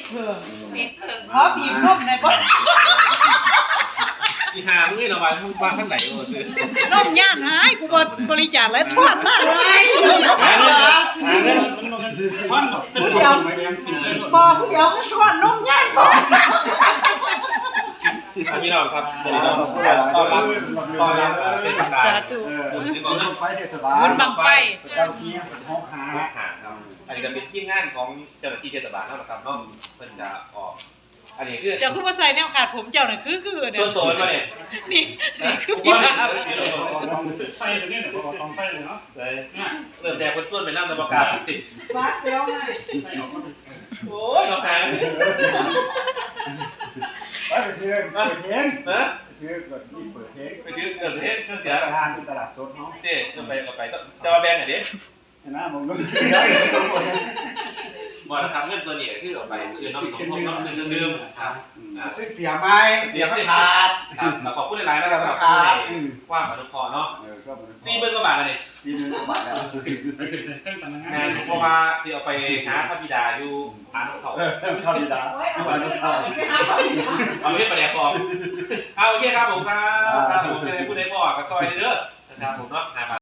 เพิ่งเพราะบีบนมในบ่อีหามึงเนาะว่าข้างไหนโอ้ซื่อนมย่านหายกูบ่บริจาคแล้วท่วมมากเลยหาเงินมันเป็นเดียวไม่ยังกินเลยบ่ผู้เดียวก็ท่วมนมย่านบ่พี่น้องครับเดี๋ยวเราต้อนรับเป็นทางการสาธุบุญบังไฟเทศบาลบุญบังไฟเจ้าที่เป็นห้องหาหาครับอันนี้ก็เป็นทีมงานของเจ้าหน้าที่เทศบาลเท่านั้นครับเนาะเพิ่นจะออกอันนี้คือเจ้าคือว่าใส่แนวขาดผมเจ้าน่ะคือเนี่ตัวย โตมาเนี่ยนี่คือพี่บ้าไฟเลยเนี่ยเพราะว่าต้องไฟเลยเนาะเริ่มแต่คนส่วนเป็นน้ำตะประกาศติดวัดแล้วไงโอ้ยน้องหางไปเพื่อนเปิดเพลงนะเพื่อนเปิดนี่เปิดเพลงไปถือเกิดเหตุเครื่องเสียทานที่ตลาดสดเนาะเจ๊จะไปก็ไปจะมาแบ่งอ่ะเด็นะผมก็บ่นะครับเงินส่วนนี้คือเอาไปคือน้องสมทบน้องซื้อดื่มครับซื้อเสียไม้เสียขาดครับขอบคุณหลายๆนะครับขอบคุณกว้างมาทุกคอเนาะ40,000 กว่าบาทแล้วนี่ 40,000 กว่าบาทแล้วงานเพราะว่าที่เอาไปหาพระบิดาอยู่อ่านเขาเข้าดีดาเข้ามาเข้าเอาไปเฮ็ดประเดี๋ยวพอเอาโอเคครับผมครับผมจะได้พูดได้บ่กับซอยเด้อนะครับผมเนาะ